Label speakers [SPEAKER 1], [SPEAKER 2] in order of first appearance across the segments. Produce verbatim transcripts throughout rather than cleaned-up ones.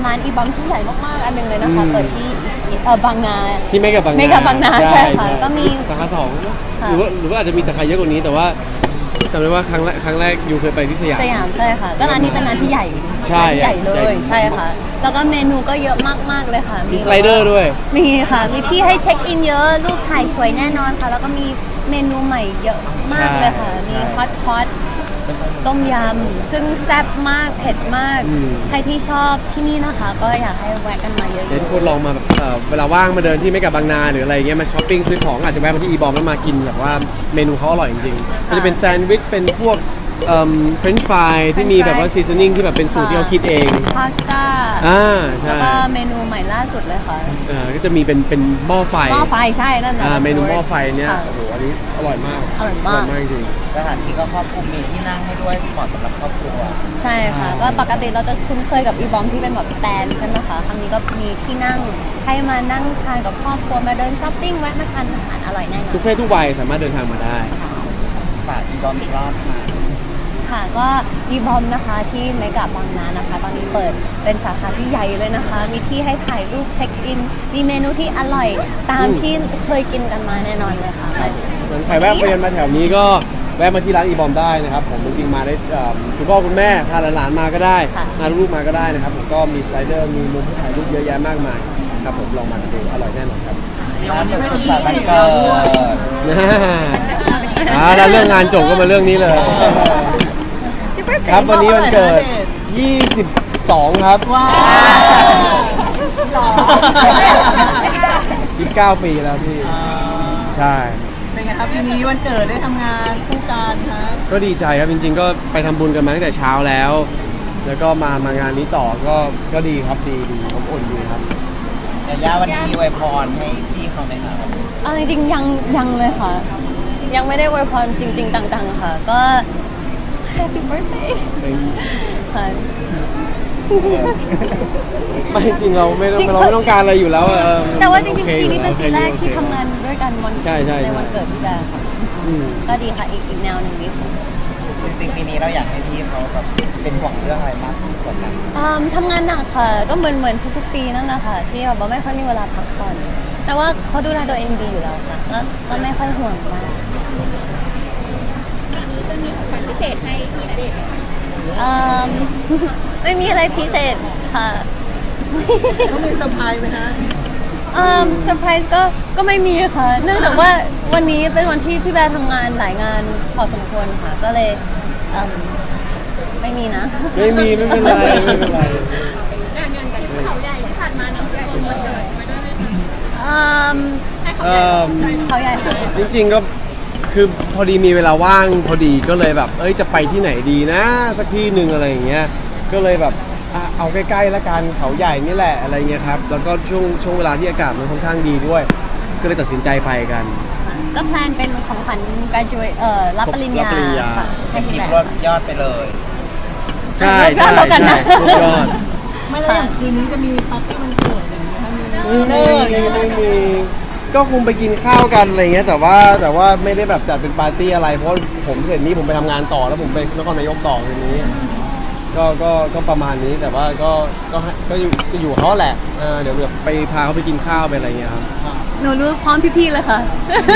[SPEAKER 1] ร้านอีบอมที่ใหญ่มากๆอันหนึงเลยนะคะเปิดที่เออบางนา
[SPEAKER 2] ที่เมกะบางนา
[SPEAKER 1] เมกะบางนาใช่ค่ะก็มี
[SPEAKER 2] สาขาสองหรือว่าหรือว่าอาจจะมีสาขาเยอะกว่านี้แต่ว่าจำได้ว่าครั้งแรกครั้งแรกยูเคยไปที่สยาม
[SPEAKER 1] สยามใช่ค่ะก็ร้านนี้เป็นร้านที่ใหญ่
[SPEAKER 2] ใช่
[SPEAKER 1] ใหญ่เล
[SPEAKER 2] ใหญ่
[SPEAKER 1] ยใช่ค่ะแล้วก็เมนูก็เยอะมากๆเลยค่ะ
[SPEAKER 2] มีสไลเดอร์ด้วย
[SPEAKER 1] มีค่ะมีที่ให้เช็คอินเยอะรูปถ่ายสวยแน่นอนค่ะแล้วก็มีเมนูใหม่เยอะมากเลยค่ะมีฮอตพอตต้มยำซึ่งแซ่บมากเผ็ดมากใครที่ชอบที่นี่นะคะก็อยากให้แวะกันมาเยอะๆ
[SPEAKER 2] เดี๋ยวทุกคนลองมาแบบเอ่อเวลาว่างมาเดินที่เมกะบางนาหรืออะไรเงี้ยมาช้อปปิ้งซื้อของอาจจะแวะมาที่อีบอมแล้วมากินแบบว่าเมนูเขาอร่อยจริงๆมันจะเป็นแซนด์วิชเป็นพวกเอ่อเฟรนช์ฟรายที่มีแบบว่าซีซันนิ่งที่แบบเป็นสูตรที่เขาคิดเอง
[SPEAKER 1] พาสต้า
[SPEAKER 2] อ่าใช่
[SPEAKER 1] แล้วก็เมนูใหม่ล่าสุดเลยค่ะ
[SPEAKER 2] อ่าก็จะมีเป็นเป็นหม้อไฟ
[SPEAKER 1] หม้อไฟใช่นั่นแหละ
[SPEAKER 2] อ่าเมนูหม้อไฟเนี่ยโอ้โหอันนี้อร่อยมาก
[SPEAKER 1] อร่อยมาก
[SPEAKER 2] มากจริง
[SPEAKER 3] สถานที่ก็ครอบคลุมมีที่นั่งให้ด้วยเหมาะสำหรับครอบครัว
[SPEAKER 1] ใช่ค่ะก็ปกติเราจะคุ้นเคยกับอีบอมที่เป็นแบบสแตนใช่ไหมคะครั้งนี้ก็มีที่นั่งให้มานั่งทานกับครอบครัวมาเดินช้อปปิ้งแวะมาทานอาหารอร่อยแน่นอน
[SPEAKER 2] ทุกเพศทุกวัยสามารถเดินทางมาได้
[SPEAKER 3] ฝากอีบอมอีกรอบค่ะ
[SPEAKER 1] ค่ะก็อีบอมนะคะที่เมกะบางนานะคะตอนนี้เปิดเป็นสาขาที่ใหญ่เลยนะคะมีที่ให้ถ่ายรูปเช็คอินมีเมนูที่อร่อยตามที่เคยกินกันมาแน่นอนเลยค่ะ
[SPEAKER 2] ส่วนใครแวะเวียนมาแถวนี้ก็แวะมาที่ร้านอีบอมได้นะครับผมจริงๆมาได้คุณพ่อคุณแม่พาหลานๆมาก็ได้พาลูกๆมาก็ได้นะครับผมก็มีสไลเดอร์มีมุมให้ถ่ายรูปเยอะแยะมากมายครับผมลองมาดูอร่อยแน่นอนครับ
[SPEAKER 3] ล่าสุดสุดสัปดาห์เกิด
[SPEAKER 2] อ่าแล้วเรื่องงานจบก็มาเรื่องนี้เลยครับวันนี้วันเกิดยี่สิบสองครับว้าวยี่สิบเก้าปีแล้วพี่ใช่
[SPEAKER 4] เป็นไงครับปีนี้วันเกิดได้ทำงานคู่กันครับ
[SPEAKER 2] ก็ดีใจครับจริงๆก็ไปทำบุญกันมาตั้งแต่เช้าแล้ว แล้วก็มามางานนี้ต่อก็ก็ดีครับดีดีอบอุ่นดีครับ
[SPEAKER 3] แต่ย่าวันนี้มีอวยพรให้พี่เขาไหมครับ
[SPEAKER 1] เอาจริงๆยังยังเลยค่ะยังไม่ได้อวยพรจริงๆจังๆค่ะก็ Happy birthday ค่ะ
[SPEAKER 2] ไม่จริงเราไม่ต้องเราไม่ต้องการอะไรอยู่แล้ว
[SPEAKER 1] แต่ว่าจริงๆปีนี้เป็นปีแรกที่ทำงานด้วยกันวันในวันเกิดพี่แบร์ค่ะก็ดีค่ะอีกอีกแนวหนึ่งนิด
[SPEAKER 3] จริงๆปีนี้เราอยากให้พี่เขาแบบเป็นห่วงเรื่องอะไรมากที่สุดกัน
[SPEAKER 1] ทำงานหนักค่ะก็เหมือนเหมือนทุกๆปีนั่นแหละค่ะที่แบบไม่ค่อยมีเวลาพักผ่อนแต่ว่าเขาดูแลตัวเองดีอยู่แล้วค่ะก็ก็ไม่ค่อยห่วงมากจะมีของขวัญพิเศษให้พี่ณเดชน์ไม่มีอะไรพิเศษค่ะ
[SPEAKER 4] ต้องมีเซอร์ไพรส์ไหมฮะ
[SPEAKER 1] เซอร์ไพรส์ก็ก็ไม่มีค่ะเนื่องจากว่าวันนี้เป็นวันที่พี่แบร์ทำงานหลายงานพอสมควรค่ะก็เลยไม่มีนะ
[SPEAKER 2] ไม่มีไม่เป็นไรไม่เป็นไร
[SPEAKER 1] งานงานกันเขาใหญ่ที่ผ่านมาเนี่ยใหญ่ที่สุดเลยมาด้วยไหมเขาใหญ่
[SPEAKER 2] จริงๆก็คือพอดีมีเวลาว่างพอดีก็เลยแบบเอ้ยจะไปที่ไหนดีนะสักที่หนึ่งอะไรอย่างเงี้ยก็เลยแบบเอาใกล้ๆละกันเขาใหญ่นี่แหละอะไรเงี้ยครับแล้วก็ช่วงช่วงเวลาที่อากาศมันค่อนข้างดีด้วยก็เลยตัดสินใจไปกัน
[SPEAKER 1] ก็แพลนเป็นของขวัญการจุยเอ่อรับปริญญาค่ะ
[SPEAKER 3] ให้พี่แบบยอดไปเลย
[SPEAKER 2] ใช่ใช่ใช่ยอด
[SPEAKER 4] ไม่แล้วอย่างคืนนี้จะมีปาร์ตี้วันเกิดอย่างนี้คะ
[SPEAKER 2] มีไม่ไม่มีก็คงไปกินข้าวกันอะไรเงี้ยแต่ว่าแต่ว่าไม่ได้แบบจัดเป็นปาร์ตี้อะไรเพราะผมเสร็จนี้ผมไปทำงานต่อแล้วผมไปนครนายกต่อทีนี้ก็ก็ก็ประมาณนี้แต่ว่าก็ก็ก็อยู่อยู่เขาแหละเดี๋ยวแบบไปพาเขาไปกินข้าวไปอะไรเงี้ยครับ
[SPEAKER 1] หนูรู้พร้อมพี่ๆเลยค่ะ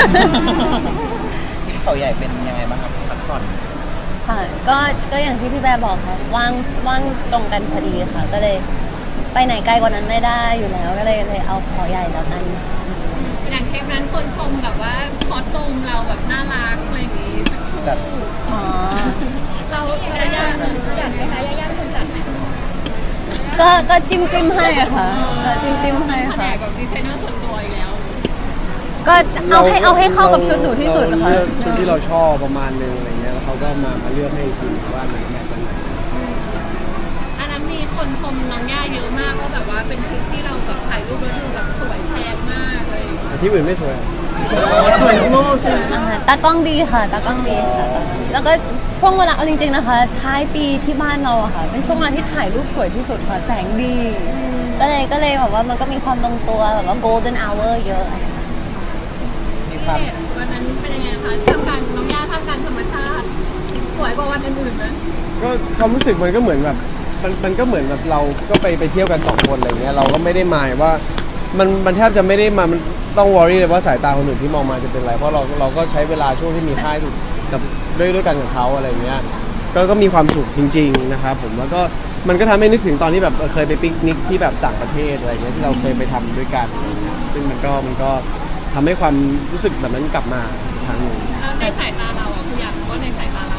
[SPEAKER 3] ที่เขาใหญ่เป็นยังไงบ้างครับพักผ่อน
[SPEAKER 1] ค่ะก็ก็อย่างที่พี่แบร์บอกค่ะว่างว่างตรงกันพอดีค่ะก็เลยไปไหนไกลกว่านั้นไม่ได้อยู่แล้วก็เลยเลยเอาขอใหญ่แล้วกัน
[SPEAKER 5] อย่างเทปนั้นคนชมแบบว่าพอตูมเราแบบน่ารักอะไรอย่างงี้
[SPEAKER 3] จัด
[SPEAKER 1] อ๋อ
[SPEAKER 5] เรายาย่าจัดไหมคะยาย่าคนจัดไหม
[SPEAKER 1] ก็ก็จิ้มจิ้มให้ค่ะจิ้มจิ้มให้ค่ะ
[SPEAKER 5] แบบดีไซเนอร์ส่วนตัวอีกแล้ว
[SPEAKER 1] ก็เอาให้เอาให้เข้ากับชุดหนูที่สุดค่ะ
[SPEAKER 2] ชุดที่เราชอบประมาณนึงอะไรเงี้ยแล้วเขาก็มามาเลือกให้ทีว่ามันแมทช์กันไหน
[SPEAKER 5] อันนั้นมีคนชมน้องย่าเยอะมากว่าแบบว่าเป็นคลิปที่เราแบบถ่ายรูปแล้วดูแบบสวยแพงมากเลย
[SPEAKER 2] ที่อื่นไม่สวย
[SPEAKER 4] สวยโลกใช่ไหม
[SPEAKER 1] ตากล้องดีค่ะตากล้องดีค่ะแล้วก็ช่วงเวลาเอาจริงๆนะคะท้ายปีที่บ้านเราอะค่ะเป็นช่วงเวลาที่ถ่ายรูปสวยที่สุดค่ะแสงดีก็เลยก็เลยแบบว่ามันก็มีความลงตัวแบบว่า golden hour เยอะ
[SPEAKER 5] ที่วันนั้นเป็นยังไงคะท่ามกลางน้องย่าท่ามกลางธรรมชาติสวยกว่าวันอื่นๆนะ
[SPEAKER 2] ก็ความรู้สึกมันก็เหมือนแบบมันมันก็เหมือนแบบเราก็ไปไปเที่ยวกันสองคนอะไรเงี้ยเราก็ไม่ได้หมายว่ามันมันแทบจะไม่ได้มามันต้องวอรี่เลยว่าสายตาคนอื่นที่มองมาจะเป็นไรเพราะเราเราก็ใช้เวลาช่วงที่มีค่ายกับด้วยด้วยกันกับเขาอะไรเงี้ยก็ก็มีความสุขจริงๆนะครับผมแล้วก็มันก็ทำให้นึกถึงตอนที่แบบเคยไปปิกนิกที่แบบต่างประเทศอะไรเงี้ยที่เราเคยไปทำด้วยกันอะไรเงี้ยซึ่งมันก็มันก็ทำให้ความรู้สึกแบบนั้นกลับมาอีกครั้งหนึ่ง
[SPEAKER 5] แล้วในสายตาเราอ่ะคืออยากรู้ว่าในสายตาเรา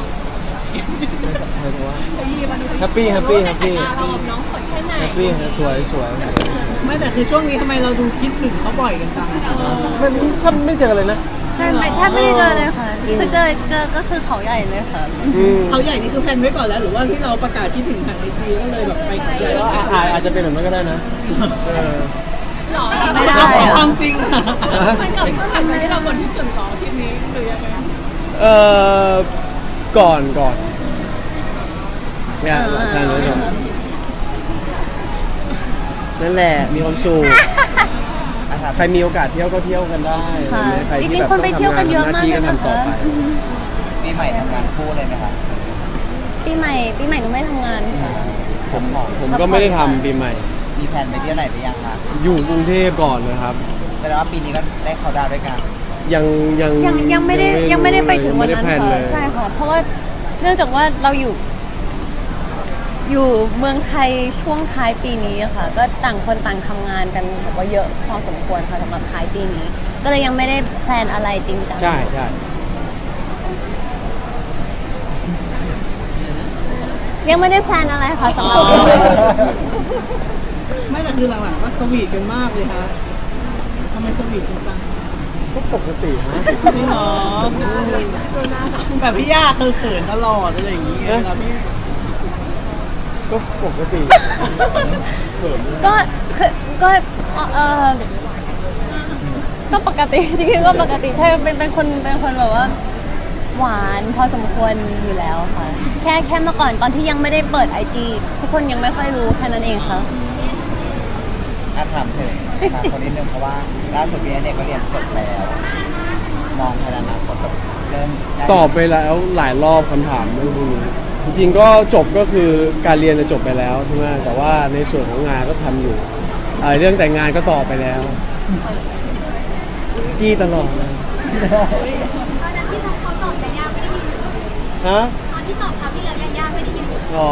[SPEAKER 2] แฮปปี้แฮปปี้แฮปปี้
[SPEAKER 5] ในสายตาเราน้องสวยแค่ไหน
[SPEAKER 2] แฮปปี้สวยสวย
[SPEAKER 4] ไม่แต่คือช่วงนี้ทำไมเราดูคิดถึงเขาบ่อยกันจัง
[SPEAKER 2] มันถ้าไม่เจอเลยนะ
[SPEAKER 1] ใช่ไหมแทบไม่ได้เจอเลยค่ะคือเจอเจอก็คือเขาใหญ่เลยค่ะ
[SPEAKER 2] อืม
[SPEAKER 4] เขาใหญ่นี่คือแพลนไว้ก่อนแล้วหรือว่าที่เราประกาศคิดถึงทางไอจีก็เลยแบบไปเขาใหญ่
[SPEAKER 2] ก็อาจอาจจะเป็นแบบนั้นก็ได้นะเออ
[SPEAKER 5] หรอ
[SPEAKER 1] ไม่ได้
[SPEAKER 4] เราขอ
[SPEAKER 1] อะ
[SPEAKER 4] ความจริงค่ะ
[SPEAKER 5] มันกับเมื่อไหร่ที่เราบนที่สุดสองทีนี้หรือยังไง
[SPEAKER 2] เออก่อนก่อนเนี่ยแพลนไว้ก่อนนั่นแหละมีความสุขใครมีโอกาสเที่ยวก็เที่ยวกันได้
[SPEAKER 1] ค่ะ
[SPEAKER 2] ใคร
[SPEAKER 1] จ
[SPEAKER 2] ที่
[SPEAKER 1] ริง
[SPEAKER 2] แบบ
[SPEAKER 1] ๆคนไปเที่ยวกันเยอะมากเลย
[SPEAKER 2] ก็
[SPEAKER 1] นะ
[SPEAKER 2] ทำต่อ
[SPEAKER 1] คะ
[SPEAKER 2] ไป
[SPEAKER 1] อือฮึ
[SPEAKER 3] ปีใหม่ทำงานคู่เลยไหมคะ
[SPEAKER 1] ปีใหม่ปีใหม่หนูไม่ทำงานค่ะ
[SPEAKER 2] ผมผมก็ไม่ได้ทำปีใหม่
[SPEAKER 3] มีแผนไปเที่ยวไหนหรือยังคะ
[SPEAKER 2] อยู่กรุงเทพก่อนนะครับ
[SPEAKER 3] แสดงว่าปีนี้ก็ได้เข้าดาวน์ด้วยกัน
[SPEAKER 2] ยังยัง
[SPEAKER 1] ยังยังไม่ได้ยังไม่ได้ไปถึงวันนั้น
[SPEAKER 2] ไม่ได้แพล
[SPEAKER 1] ค่ะ
[SPEAKER 2] เลย
[SPEAKER 1] ใช่ค่ะเพราะว่าเนื่องจากว่าเราอยู่ อยู่เมืองไทยช่วงท้ายปีนี้อะค่ะ ก็ต่างคนต่างทำงานกันแบบว่าเยอะพอสมควรค่ะสำหรับท้ายปีนี้ ก็เลยยังไม่ได้แพลนอะไรจริงจัง
[SPEAKER 2] ใช่ใช่
[SPEAKER 1] ยังไม่ได้แพลนอะไรค่ะสำหรับปีนี้
[SPEAKER 4] ไม่แต่คือหลังๆก็สวีทกันมากเลยค่ะทำไมสวีทกันจัง
[SPEAKER 2] ก็ปกติฮะ
[SPEAKER 4] ไม่หรอแบบพี่ย่าคือเขินตลอดอะไรอย่างงี้เวลาพี่
[SPEAKER 2] ก็ปกติเขิน
[SPEAKER 1] ก็คือก็เออก็ปกติ จริงๆก็ปกติใช่เป็นเป็นคนเป็นคนแบบว่า หวานพอสมควรอยู่แล้วค่ะ แค่แค่เมื่อก่อนตอนที่ยังไม่ได้เปิดไอจีทุกคนยังไม่ค่อยรู้แค่นั้นเองค่ะ
[SPEAKER 3] อาถามถึงมาคนนิดนึงเพราะว่าล่าสุดพี่เนี่ยก็เรียนจบแล้ว มองภายในอนาคตแบบเริ่มได้
[SPEAKER 2] ตอบไปแล้วหลายรอบคำถามเรื่องพวกนี้จริงๆก็จบก็คือการเรียนจะจบไปแล้วใช่ไหมแต่ว่าในส่วนของงานก็ทำอยู่เอ่อเรื่องแต่งงานก็ตอบไปแล้ว จี้ตลอดเลย
[SPEAKER 5] ตอนนั้นที่เขาตอบยาย่าไม่ได้ยิน
[SPEAKER 2] ฮะ
[SPEAKER 5] ตอนที่ตอบเขาที่แล้วยาย่าไม่ได้ยิน
[SPEAKER 2] อ๋อ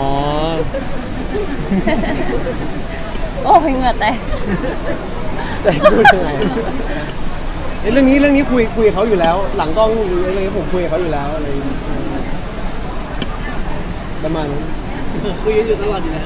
[SPEAKER 1] โอ้ยเหงื่อแตก
[SPEAKER 2] แต่พูดยังไงเอ้ยเรื่องนี้เรื่องนี้คุยคุยกับเขาอยู่แล้ว หลังกล้องหรืออะไรผมคุยกับเขาอยู่แล้วอะไรอย่างเงี้ยประมาณนั้น
[SPEAKER 4] คุยกันอยู่ตลอดอยู่แล้ว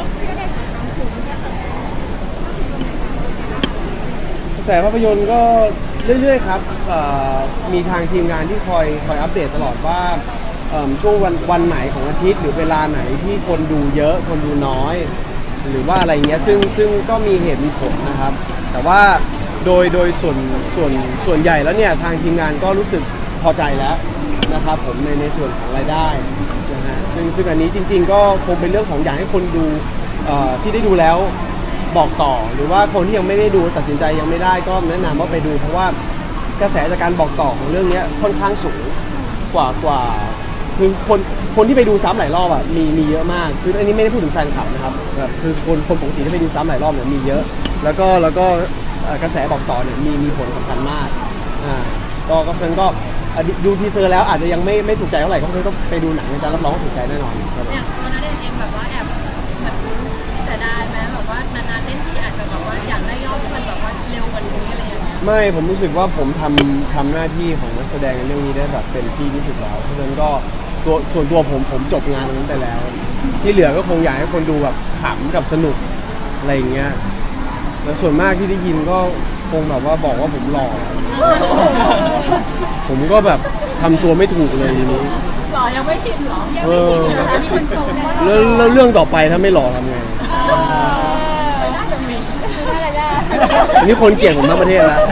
[SPEAKER 2] กระแสภาพยนตร์ก็เรื่อยๆครับเอ่อมีทางทีมงานที่คอยคอยอัปเดตตลอดว่าเอิ่มช่วงวันวันไหนของอาทิตย์หรือเวลาไหนที่คนดูเยอะคนดูน้อย หรือว่าอะไรเงี้ยซึ่งซึ่งก็มีเหตุมีผลนะครับ แต่ว่าโดยโดยส่วนส่วนส่วนใหญ่แล้วเนี่ยทางทีมงานก็รู้สึกพอใจแล้วนะครับผมในในส่วนของรายได้นะฮะซึ่งซึ่งอันนี้จริง ๆ ก็คงเป็นเรื่องของอยากให้คนดูเอ่อที่ได้ดูแล้วบอกต่อ หรือว่าคนที่ยังไม่ได้ดูตัดสินใจยังไม่ได้ก็แนะนำว่าไปดูเพราะว่ากระแสจากการบอกต่อของเรื่องนี้ค่อนข้างสูงกว่ากว่าคือคนคนที่ไปดูซ้ำหลายรอบอ่ะมีมีเยอะมากคืออันนี้ไม่ได้พูดถึงแฟนคลับนะครับแบบคือคนคนปกติที่ไปดูซ้ำหลายรอบเนี่ยมีเยอะ แล้วก็แล้วก็เอ่อกระแสบอกต่อเนี่ยมีมีผลสำคัญมากอ่าก็ก็เพราะฉะนั้นก็อ่ะดูดูทีเซอร์แล้วอาจจะยังไม่ไม่ถูกใจเท่าไหร่ก็เพราะฉะนั้นก็ไปดูหนังนะจ๊ะรับรองว่าถูกใจแน่นอนครับผม
[SPEAKER 5] เนี่ยตอนนั้นเองแบบว่าแอบเหมือนเสียดายไหมแบบว่านานๆเล่นที่อาจจะแบบว่าอยากได้ยอดที่มันแบบว่าเร็วกว่านี้อะไรอย่างเงี้ย
[SPEAKER 2] ไม่ผมรู้สึกว่าผมทำทำหน้าที่ของนักแสดงในเรื่องนี้ได้แบบเต็มที่ที่สุดแล้วเพราะฉะนั้นก็ตัวส่วนตัวผมผมจบงานตรงนั้นไปแล้ว ที่เหลือก็คงอยากให้คนดูแบบขำกับสนุกอะไรอย่างเงี้ยแล้วส่วนมากที่ได้ยินก็คงแบบว่าบอกว่าผมหล่อ ผมก็แบบทำตัวไม่ถูกเลยทีนี้
[SPEAKER 5] หรอยังไม่ชินหรอยัง
[SPEAKER 2] เอ
[SPEAKER 5] ไม่
[SPEAKER 2] อ
[SPEAKER 5] ชินเหรออันนี้มันชมว่า
[SPEAKER 2] แล้วแล้วเรื่องต่อไปถ้าไม่หล่อทำไง
[SPEAKER 5] น่าจะมีน่าจะยาก
[SPEAKER 2] อันนี้คนเกลียดผมทั้งประเทศแล้ว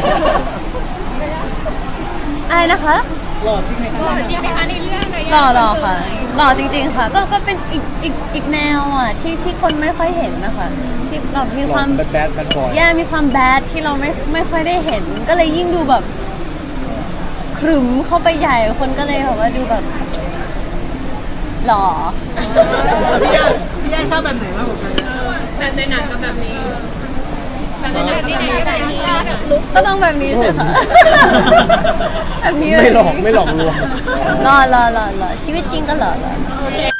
[SPEAKER 1] อะไรนะคะ
[SPEAKER 4] หล่อจริงไหมคะ
[SPEAKER 5] จริงไหมคะในเรื่องอะไร
[SPEAKER 1] หล่อหล่อค่ะหล่อจริงๆค่ะ ก็ก็เป็นอีกอีกอีกแนวอ่ะที่ที่คนไม่ค่อยเห็นนะคะที่แบบมีความ
[SPEAKER 2] แบดแบดแบดบอย
[SPEAKER 1] แย่มีความแบดที่เราไม่ไม่ค่อยได้เห็น ก็เลยยิ่งดูแบบขรึมเข้าไปใหญ่คนก็เลยแบบว่าดูแบบหล่อ
[SPEAKER 4] พี่ย่าพี่ย่าชอบแบบไหนมากกว่ากัน
[SPEAKER 5] แบบในหนังกับแบบนี้แบบในหนังกับแบบนี้แบบนี้ลุก
[SPEAKER 1] ก็ต้องแบบนี้สิคะแบบนี้
[SPEAKER 2] ไม่หลอกไม่หลอกลวง
[SPEAKER 1] หล่อหล่อหล่อหล่อชีวิตจริงก็หล่อหล่อ
[SPEAKER 5] โอเค